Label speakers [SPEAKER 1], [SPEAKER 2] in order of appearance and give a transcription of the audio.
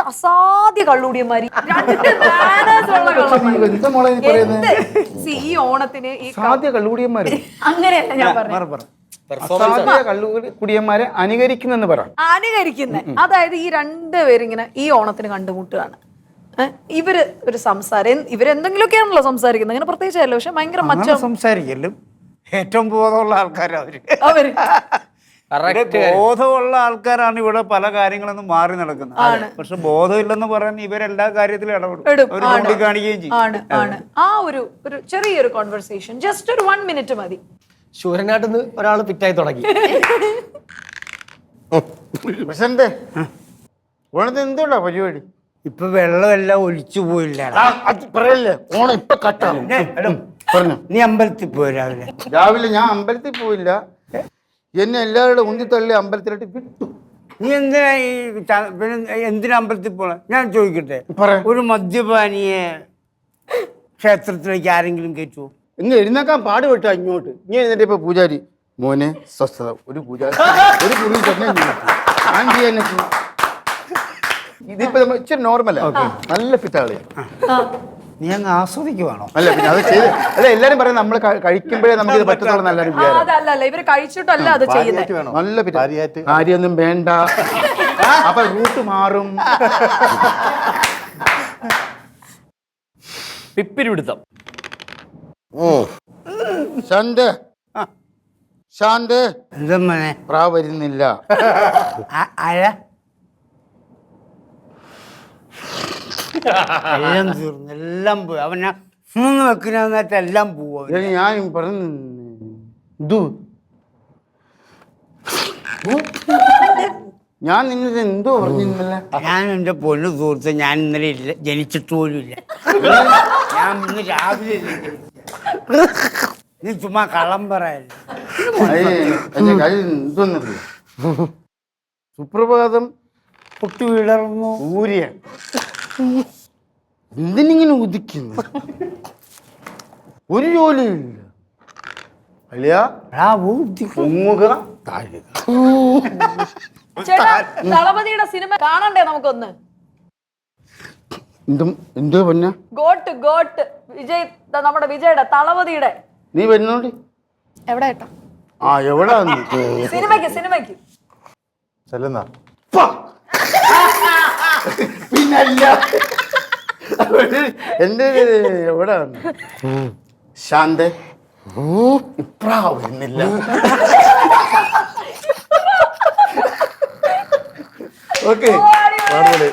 [SPEAKER 1] അസാധ്യ കള്ളുടിയന്മാര്, രണ്ട് manners ഉള്ള കള്ളന്മാര്. ഈ ഓണത്തിന് ഈ
[SPEAKER 2] കള്ളുടിയന്മാര്
[SPEAKER 1] അങ്ങനെയല്ല ഞാൻ പറഞ്ഞു,
[SPEAKER 2] കുടിയന്മാരെ അനുകരിക്കുന്നെന്ന് പറ.
[SPEAKER 1] അനുകരിക്കുന്നത്. അതായത് ഈ രണ്ടുപേരിങ്ങനെ ഈ ഓണത്തിന് കണ്ടുമുട്ടുകയാണ്. ഇവര് ഒരു സംസാരം, ഇവരെന്തെങ്കിലുമൊക്കെയാണല്ലോ സംസാരിക്കുന്നത്, അങ്ങനെ പ്രത്യേകിച്ചല്ലോ. പക്ഷെ ഭയങ്കര
[SPEAKER 3] സംസാരിക്കലും ഏറ്റവും ബോധമുള്ള ആൾക്കാരാ അവര്.
[SPEAKER 2] അവര്
[SPEAKER 3] ബോധമുള്ള ആൾക്കാരാണ് ഇവിടെ പല കാര്യങ്ങളൊന്നും മാറി നടക്കുന്നത്. പക്ഷെ ബോധമില്ലെന്ന് പറയാൻ ഇവരെല്ലാ കാര്യത്തിലും ഇടപെടും, അവർ ചൂണ്ടിക്കാണിക്കുകയും ചെയ്യും.
[SPEAKER 1] ആ ഒരു ചെറിയൊരു കോൺവെർസേഷൻ, ജസ്റ്റ് ഒരു 1 മിനിറ്റ് മതി.
[SPEAKER 4] ശൂരനാട്ടിൽ നിന്ന് ഒരാൾ പിറ്റായി തുടങ്ങി.
[SPEAKER 2] എന്തുകൊണ്ടാ പരിപാടി?
[SPEAKER 3] ഇപ്പൊ വെള്ളമെല്ലാം ഒലിച്ചു പോയില്ല.
[SPEAKER 2] ഓണം ഇപ്പൊ കട്ടാവും.
[SPEAKER 3] നീ അമ്പലത്തിൽ പോയി രാവിലെ?
[SPEAKER 2] രാവിലെ ഞാൻ അമ്പലത്തിൽ പോയില്ല, എന്നെ എല്ലാവരുടെ ഉന്തിത്തള്ളി അമ്പലത്തിലോട്ട് വിട്ടു.
[SPEAKER 3] നീ എന്തിനാ എന്തിനാ അമ്പലത്തിൽ പോണേ? ഞാൻ ചോദിക്കട്ടെ, ഒരു മദ്യപാനിയെ ക്ഷേത്രത്തിലേക്ക് ആരെങ്കിലും കയറ്റുമോ?
[SPEAKER 2] ഇങ്ങ് എഴുന്നേക്കാൻ പാടുപെട്ടോ ഇങ്ങോട്ട്. ഇങ്ങനെ എഴുന്നേറ്റ് ഇപ്പൊ പൂജാരി മോനെ സ്വസ്ഥത, ഒരു പൂജാരി ഒരു കുറി തന്നെ ആൻറ്റി എന്നെ ഇതിപ്പോ ഇച്ചിരി നോർമലാ, നല്ല ഫിറ്റാളിയാ.
[SPEAKER 3] നീ അങ്ങ് ആസ്വദിക്കുവാണോ?
[SPEAKER 2] അല്ല പിന്നെ അത് ചെയ്ത് അല്ല, എല്ലാരും പറയും നമ്മൾ കഴിക്കുമ്പോഴേ നമുക്ക് ഇത് പറ്റത്തുള്ള നല്ലൊരു
[SPEAKER 1] ഇവര് കഴിച്ചിട്ടല്ല അത് ചെയ്യുന്നത്.
[SPEAKER 2] നല്ല കാര്യമൊന്നും വേണ്ട, അപ്പൊ റൂട്ട് മാറും.
[SPEAKER 4] പിപ്പിരിപിടുത്തം.
[SPEAKER 2] ശാന്ത് ശാന്ത്
[SPEAKER 3] എന്തമ്മനെ
[SPEAKER 2] പ്രാ വരുന്നില്ല.
[SPEAKER 3] എല്ലാം തീർന്നു, എല്ലാം പോയി. അവനെ വെക്കുന്നതായിട്ട് എല്ലാം പോവും.
[SPEAKER 2] ഞാൻ പറഞ്ഞു ഞാൻ നിന്നത് എന്തോ പറഞ്ഞിരുന്നല്ലേ.
[SPEAKER 3] ഞാൻ എൻ്റെ പൊന്നു സുഹൃത്ത്, ഞാൻ ഇന്നലെ ഇല്ല, ജനിച്ചിട്ട് പോലും ഇല്ല. ഞാൻ ഇന്ന് രാവിലെ നീ ചുമ്മാ കള്ളം പറയല്ലേ.
[SPEAKER 2] എന്റെ കാര്യം എന്തോന്നറിയോ, സുപ്രഭാതം
[SPEAKER 3] പൊട്ടി വിടർന്നു
[SPEAKER 2] ഊരിയ എന്തിനിങ്ങനെ ഉദിക്കുന്നു, ഒരു ജോലിയില്ല. അല്ലയാ
[SPEAKER 1] ദളപതിയുടെ സിനിമ കാണണ്ടേ നമുക്കൊന്ന്?
[SPEAKER 2] എന്തോ പൊന്ന
[SPEAKER 1] ഗോട്ട് ഗോട്ട് വിജയ്, നമ്മുടെ വിജയുടെ ദളപതിയുടെ.
[SPEAKER 2] നീ വരുന്നോണ്ടി.
[SPEAKER 1] എവിടെ ഏട്ടാ?
[SPEAKER 2] ആ എവിടാ?
[SPEAKER 1] സിനിമയ്ക്ക്
[SPEAKER 2] ചെല്ലുന്ന പിന്നല്ല എന്റെ എവിടാ? ശാന്ത് ഇപ്രാ വരുന്നില്ല. ഓക്കെ